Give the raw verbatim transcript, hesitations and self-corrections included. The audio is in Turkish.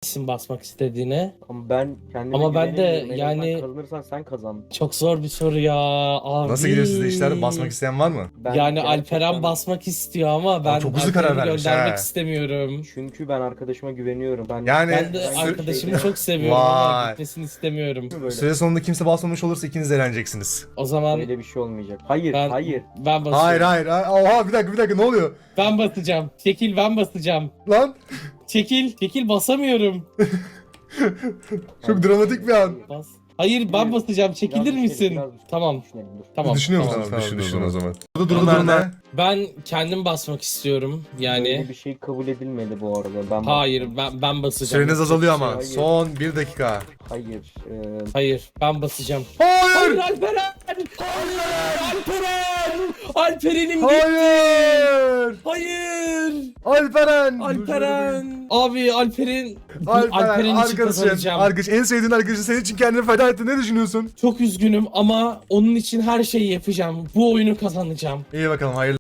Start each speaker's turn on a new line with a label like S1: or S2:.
S1: isim basmak istediğine.
S2: Ama ben kendime
S1: Ama ben de
S2: güvenemiyorum. En azından
S1: yani-
S2: kazanırsan sen kazan.
S1: Çok zor bir soru ya abi.
S3: Nasıl gidiyor sizde işler? Basmak isteyen var mı?
S2: Ben
S1: Yani
S2: gerçekten-
S1: Alperen basmak istiyor ama ben
S3: çok hızlı karar
S1: Alperen'i
S3: vermiş
S1: göndermek
S3: ha.
S1: istemiyorum.
S2: Çünkü ben arkadaşıma güveniyorum. Ben
S3: Yani-
S1: Ben de
S3: Sü-
S1: arkadaşımı çok seviyorum ama
S3: Vay.
S1: gitmesini istemiyorum.
S2: böyle.
S3: Süre sonunda kimse basmamış olursa ikiniz de eğleneceksiniz.
S1: O zaman
S2: Öyle bir şey olmayacak. Hayır,
S1: ben
S2: hayır.
S1: ben basıyorum.
S3: Hayır hayır. hayır. Oha bir dakika bir dakika ne oluyor?
S1: Ben basacağım. Çekil ben basacağım.
S3: Lan
S1: Çekil. Çekil basamıyorum.
S3: çok dramatik bir an.
S1: Bas. Hayır ben basacağım. Çekilir
S2: Biraz
S1: misin?
S2: düşünelim, biraz
S1: Tamam.
S2: düşünelim, dur.
S1: Tamam.
S3: Düşünüyor
S1: tamam.
S3: musun?
S4: Tamam,
S3: Tamam,
S4: düşün,
S3: düşün
S4: düşün
S3: o
S4: o
S3: zaman.
S4: zaman.
S3: Burada
S1: Durumlar
S3: durumlar
S1: nerede?
S3: ne?
S1: Ben kendim basmak istiyorum.
S2: Böyle
S1: Yani
S2: bir şey kabul edilmedi bu arada. Ben
S1: hayır ben ben basacağım.
S3: Süreniz azalıyor ama.
S2: Hayır.
S3: Son bir dakika.
S2: Hayır. E,
S1: Hayır ben basacağım. Hayır
S3: Hayır!
S1: Alperen! Hayır Alperen! Alperen'im gitti.
S3: Hayır!
S1: Hayır!
S3: Alperen!
S1: Alperen! Abi Alperen
S3: Alperen,
S1: Alperen için
S3: arkadaşın,
S1: kazanacağım.
S3: arkadaş, en sevdiğin arkadaşın senin için kendini feda etti. Ne düşünüyorsun?
S1: Çok üzgünüm ama onun için her şeyi yapacağım. Bu oyunu kazanacağım.
S3: İyi bakalım hayırlı.